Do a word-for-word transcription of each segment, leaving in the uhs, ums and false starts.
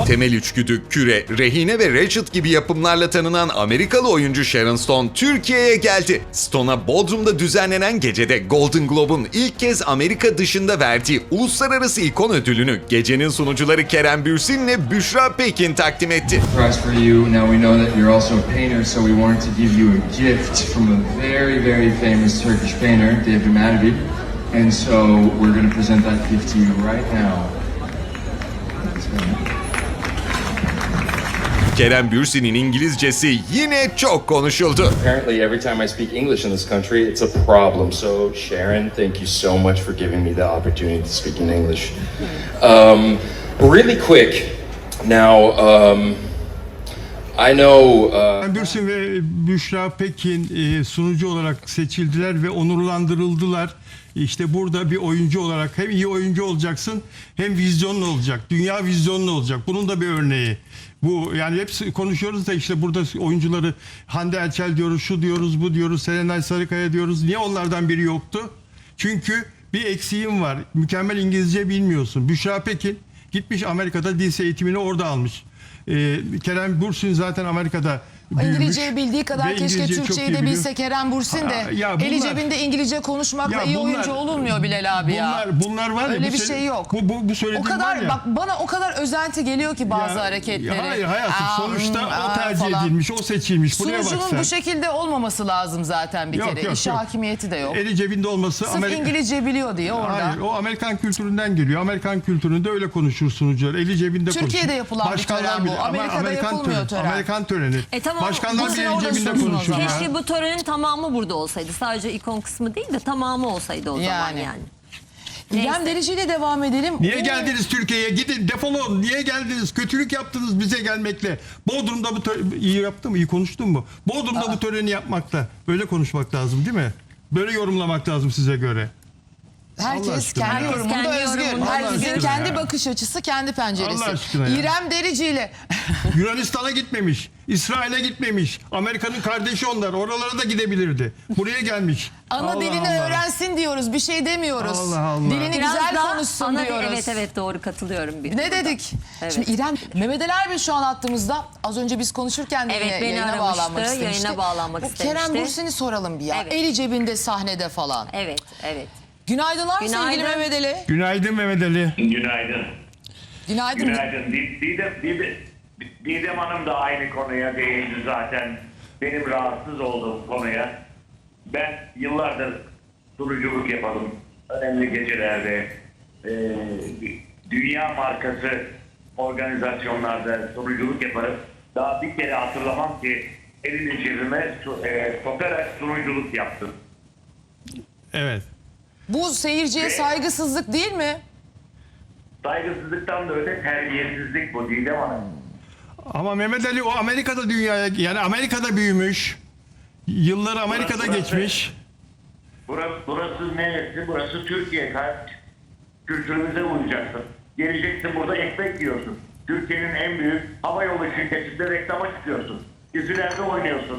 Temel İçgüdü, Küre, Rehine ve Ratched gibi yapımlarla tanınan Amerikalı oyuncu Sharon Stone Türkiye'ye geldi. Stone'a Bodrum'da düzenlenen gecede Golden Globe'un ilk kez Amerika dışında verdiği Uluslararası İkon Ödülünü gecenin sunucuları Kerem Bürsin ile Büşra Pekin takdim etti. Prize for you. Now we know that you're also a painter, so we wanted to give you a gift from a very, very famous Turkish painter, David Madrid. And so we're going to present that gift to you right now. Kerem Bürsin'in İngilizcesi yine çok konuşuldu. Apparently every time I speak English in this country, it's a problem. So Sharon, thank you so much for giving me the opportunity to speak in English. Um, really quick, now um, I know... Uh, Kerem Bürsin ve Büşra Pekin e, sunucu olarak seçildiler ve onurlandırıldılar. İşte burada bir oyuncu olarak hem iyi oyuncu olacaksın hem vizyonlu olacak. Dünya vizyonlu olacak. Bunun da bir örneği. Bu yani hep konuşuyoruz da işte burada oyuncuları Hande Erçel diyoruz, şu diyoruz, bu diyoruz, Serenay Sarıkaya diyoruz. Niye onlardan biri yoktu? Çünkü bir eksiğim var. Mükemmel İngilizce bilmiyorsun. Büşra Pekin gitmiş Amerika'da dil eğitimini orada almış. Ee, Kerem Bürsin zaten Amerika'da büyümüş. İngilizceyi bildiği kadar Ve keşke İngilizceyi çok Türkçeyi iyi de biliyor. bilse Kerem Bürsin de. Aa, ya bunlar- Eli cebinde İngilizce konuşmakla Ya iyi bunlar- oyuncu olunmuyor Bilal abi ya. Bunlar, bunlar var ya. Öyle bu bir söyle- şey yok. Bu, bu, bu O söylediğim kadar var ya. bak bana o kadar özenti geliyor ki bazı Ya- hareketleri. ya hayır hayatım Aa, sonuçta hmm, o aa tercih falan. edilmiş, o seçilmiş. Buraya bak Sunucunun sen. bu şekilde olmaması lazım zaten bir Yok, kere. yok, İşe yok. hakimiyeti de yok. Eli cebinde olması Sırf Amerika... İngilizce biliyor diye orada. Hayır, o Amerikan kültüründen geliyor. Amerikan kültüründe öyle konuşur sunucular. Eli cebinde konuşur. Türkiye'de yapılan bir tören bu. bile- ama Amerika'da Amerikan yapılmıyor töreni, tören. Amerikan töreni. E tamam, Başkanlar bu bile sene eli orada cebinde sunsun o konuşur zaman. ya. Keşke bu törenin tamamı burada olsaydı. Sadece ikon kısmı değil de tamamı olsaydı o zaman Yani. yani. İrem Neyse. Derici ile devam edelim. Niye Oo. geldiniz Türkiye'ye? Gidin defolun. Niye geldiniz? Kötülük yaptınız bize gelmekle. Bodrum'da bu tö- iyi yaptım mı? İyi konuştun mu? Bodrum'da bu töreni yapmakla. Böyle konuşmak lazım değil mi? Böyle yorumlamak lazım size göre. Allah Herkes aşkına kendi ya. yorumunda Kendi özgür. yorumunda Herkesin özgür kendi ya. bakış açısı, kendi penceresi. Allah aşkına ya. İrem Derici ile Yunanistan'a gitmemiş. İsrail'e gitmemiş. Amerika'nın kardeşi onlar. Oralara da gidebilirdi. Buraya gelmiş. ana Allah dilini Allah. öğrensin diyoruz. Bir şey demiyoruz. Allah Allah. Dilini Biraz güzel daha konuşsun ana- diyoruz. Evet evet doğru katılıyorum. Bir Ne dedik? Evet. Şimdi İrem, Mehmet Ali Erbil şu an attığımızda az önce biz konuşurken de Evet, yine beni yayına aramıştı, bağlanmak yayına istemişti. bağlanmak Bu istemişti. Kerem Bürsin'i soralım bir ya. Evet. Eli cebinde sahnede falan. Evet evet. Günaydınlar Günaydın. sevgili Mehmet Ali. Günaydın Mehmet Ali. Günaydın. Günaydın. Günaydın. Di- Didem, Didem, Didem Hanım da aynı konuya değindi zaten. Benim rahatsız olduğum konuya. Ben yıllardır sunuculuk yapalım. Önemli gecelerde. e, dünya markası organizasyonlarda sunuculuk yaparım. Daha bir kere hatırlamam ki elini cebime su- e, sokarak sunuculuk yaptım. Evet. Bu seyirciye saygısızlık değil mi? Saygısızlıktan da öte terbiyesizlik bu Didem Hanım. Ama Mehmet Ali o Amerika'da dünyaya yani Amerika'da büyümüş. Yılları Amerika'da Burası- geçmiş. Burası, burası neresi? Burası Türkiye. Kaç kültürümüze uyacaksın. Geleceksin burada ekmek yiyorsun. Türkiye'nin en büyük havayolu şirketinde reklama çıkıyorsun. Dizilerde oynuyorsun.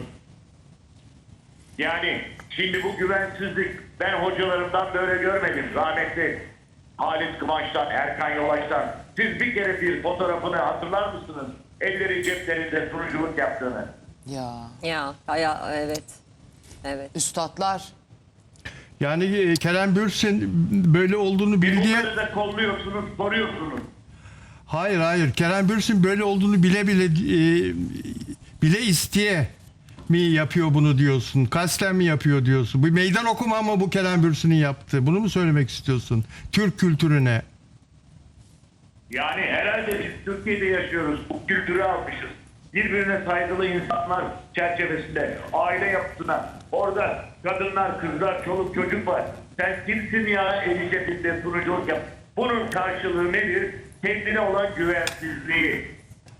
Yani şimdi bu güvensizlik ben hocalarımdan böyle görmedim. Rahmetli Halit Kıvanç'tan, Erkan Yolaç'tan. Siz bir kere bir fotoğrafını hatırlar mısınız? Elleri ceplerinde sunuculuk yaptığını. Ya Ya, ya evet. Evet. üstadlar. Yani e, Kerem Bürsin böyle olduğunu bildiği... Bunları da kolluyorsunuz, soruyorsunuz. Hayır hayır. Kerem Bürsin böyle olduğunu bile bile e, bile isteye mi yapıyor bunu diyorsun? Kasten mi yapıyor diyorsun? Bu meydan okuma ama bu Kerem Bürsin'in yaptığı. Bunu mu söylemek istiyorsun? Türk kültürüne. Yani herhalde biz Türkiye'de yaşıyoruz. Bu kültürü almışız. Birbirine saygılı insanlar çerçevesinde aile yapısına. Orada kadınlar, kızlar, çoluk çocuk var. Sen kimsin ya eli cebinde sunuculuk yap. Bunun karşılığı nedir? Kendine olan güvensizliği.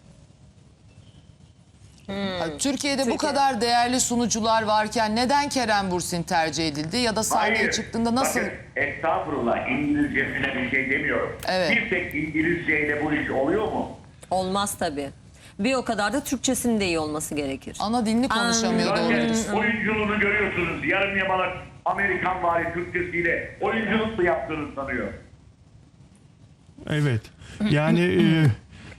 Yani Türkiye'de bu Türkiye. kadar değerli sunucular varken neden Kerem Bürsin tercih edildi? Ya da sahneye Hayır. çıktığında nasıl? Bakın, estağfurullah İngilizcesine bir şey demiyorum. Evet. Bir tek İngilizceyle bu iş oluyor mu? Olmaz tabii. Bir o kadar da Türkçesinin de iyi olması gerekir. Ana dilini konuşamıyor doğru Zaten dürüst. oyunculuğunu görüyorsunuz. Yarım yamalak Amerikan vari Türkçesiyle oyunculuk mu yaptığını sanıyor. Evet. Yani e,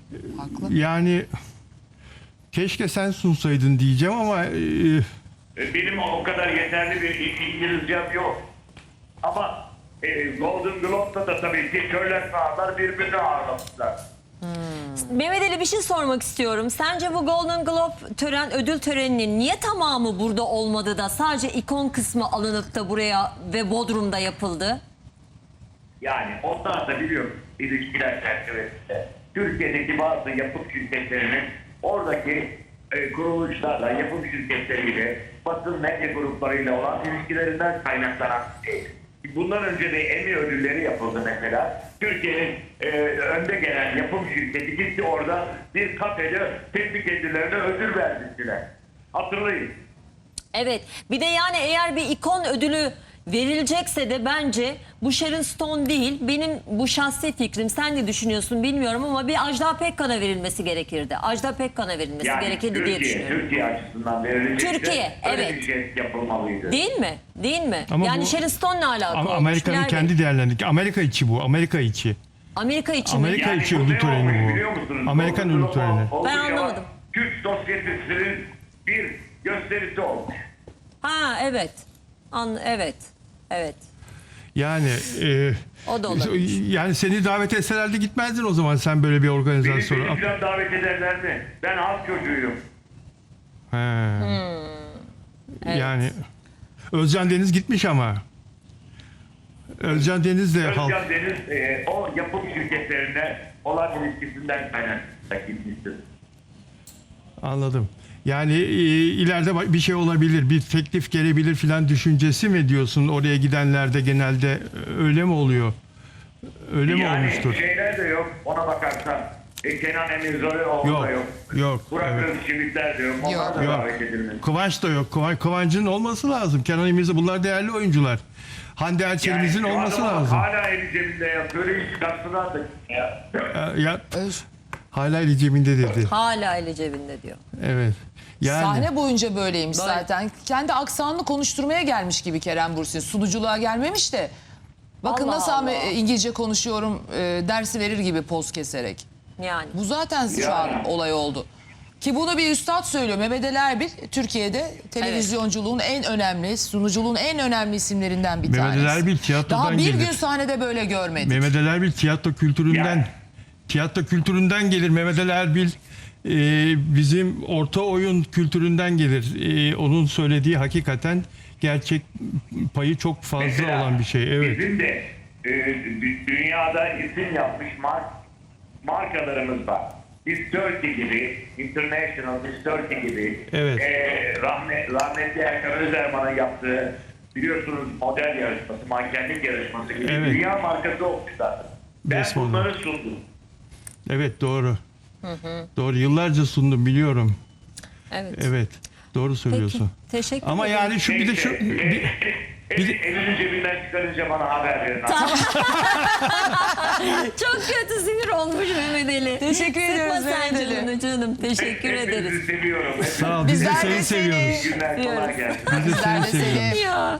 Haklı. Yani keşke sen sunsaydın diyeceğim ama e, E, Benim o kadar yeterli bir İ- İngilizcem yok. Ama e, Golden Globe'da da tabii ki köyler ağırlar birbirini ağırlamışlar. Mehmet Ali bir şey sormak istiyorum. Sence bu Golden Globe tören ödül töreninin niye tamamı burada olmadı da sadece ikon kısmı alınıp da buraya ve Bodrum'da yapıldı? Yani onlar da biliyorum ilişkiler çerçevesinde Türkiye'deki bazı yapım şirketlerinin oradaki e, kuruluşlarla, yapım şirketleriyle, basın medya gruplarıyla olan ilişkilerinden kaynaklanan şey. Bundan önce de Emmy ödülleri yapıldı mesela. Türkiye'nin e, önde gelen yapım şirketi gitti orada bir kafede kendi kendilerine ödül verdiler. Hatırlayın. Evet. Bir de yani eğer bir ikon ödülü verilecekse de bence bu Sharon Stone değil. Benim bu şahsi fikrim. Sen ne düşünüyorsun bilmiyorum ama bir Ajda Pekkan'a verilmesi gerekirdi. Ajda Pekkan'a verilmesi Yani gerekirdi diye Türkiye, düşünüyorum. Türkiye açısından verilecekse Türkiye, öyle evet. bir şey yapılmalıydı. Değil mi? Değil mi? Ama yani bu- Sharon Stone'la alakalı ama olmuş. Amerika'nın Nerede? kendi değerlendik. Amerika içi bu. Amerika içi. Amerika için mi? Amerika içi bu ödül ne töreni olmuş bu. biliyor musunuz? Amerikan Golden ödül töreni. Globe oldu Ben ya, anlamadım. Türk sosyetesinin bir gösterisi olmuş. Ha evet. An evet. Evet. Yani e, O da olabilir. yani seni davet etselerdi gitmezdin o zaman sen böyle bir Beni organizasyona. beni falan davet ederler mi? Ben halk çocuğuyum. He. Evet. Yani Özcan Deniz gitmiş ama. Özcan Deniz de halk. Özcan Deniz e, o yapım şirketlerine olan ilişkisinden kaynaklı gitmiştir. Anladım. Yani e, ileride ba- bir şey olabilir, bir teklif gelebilir filan düşüncesi mi diyorsun oraya gidenlerde genelde e, öyle mi oluyor? Öyle mi Yani olmuştur? şeyler de yok ona bakarsan. E, Kenan Emirzoğlu Yok, da yok. yok, Burak evet. Özçivitler de yok. Onlar Yok. da Yok. davet edilmez. Kıvanç da yok. Kıvanç, Kıvanç'ın olması lazım. Kenan İmirza bunlar değerli oyuncular. Hande Erçel'imizin şu olması adamın lazım. Hala eli cebinde ya. Böyle iş çıkartsınlar da ya. E, Ya Öz- hala eli cebinde dedi. Hala eli cebinde diyor. Evet. Yani Sahne boyunca böyleymiş Böyle. zaten. Kendi aksanını konuşturmaya gelmiş gibi Kerem Bürsin. Sunuculuğa gelmemiş de. Bakın Allah nasıl Allah. Ahmet- İngilizce konuşuyorum e, dersi verir gibi poz keserek. Yani. Bu zaten şu Yani. an olay oldu. Ki bunu bir üstad söylüyor. Mehmet Ali Erbil Türkiye'de televizyonculuğun en önemli, sunuculuğun en önemli isimlerinden bir Mehmet tanesi. Ali Erbil tiyatrodan Daha bir gelir. gün sahnede böyle görmedik. Mehmet Ali Erbil tiyatro kültüründen Yani. tiyatro kültüründen gelir. Mehmet Ali Erbil e, bizim orta oyun kültüründen gelir. E, onun söylediği hakikaten gerçek payı çok fazla Mesela olan bir şey. Evet. Bizim de e, dü- dünyada isim yapmış mark, markalarımız var. Biz Turkey gibi, International Biz Turkey gibi, Evet. e, rahmet, rahmetli Erkan Özerman'ın yaptığı biliyorsunuz model yarışması, mankenlik yarışması gibi Evet. dünya markası olmuşlar. Ben Best model. bunları sundum. Evet doğru. Doğru. Yıllarca sundum biliyorum. Evet. Evet. Doğru Peki. söylüyorsun. Teşekkür Ama ederim. yani şu bir de şu Neyse, bir- e, bir de- e, elini cebinden çıkarınca bana haber verin. Çok kötü sinir olmuş Mehmet Ali. Teşekkür ediyoruz Sıkma sen Mehmet Ali. canını canım. Teşekkür ederiz. Hepinizi seviyorum. sağ ol. Biz de Bizler de seni seni. seviyoruz. İyi günler, kolay gelsin. Biz de Bizler seni de seni seviyoruz. Ya.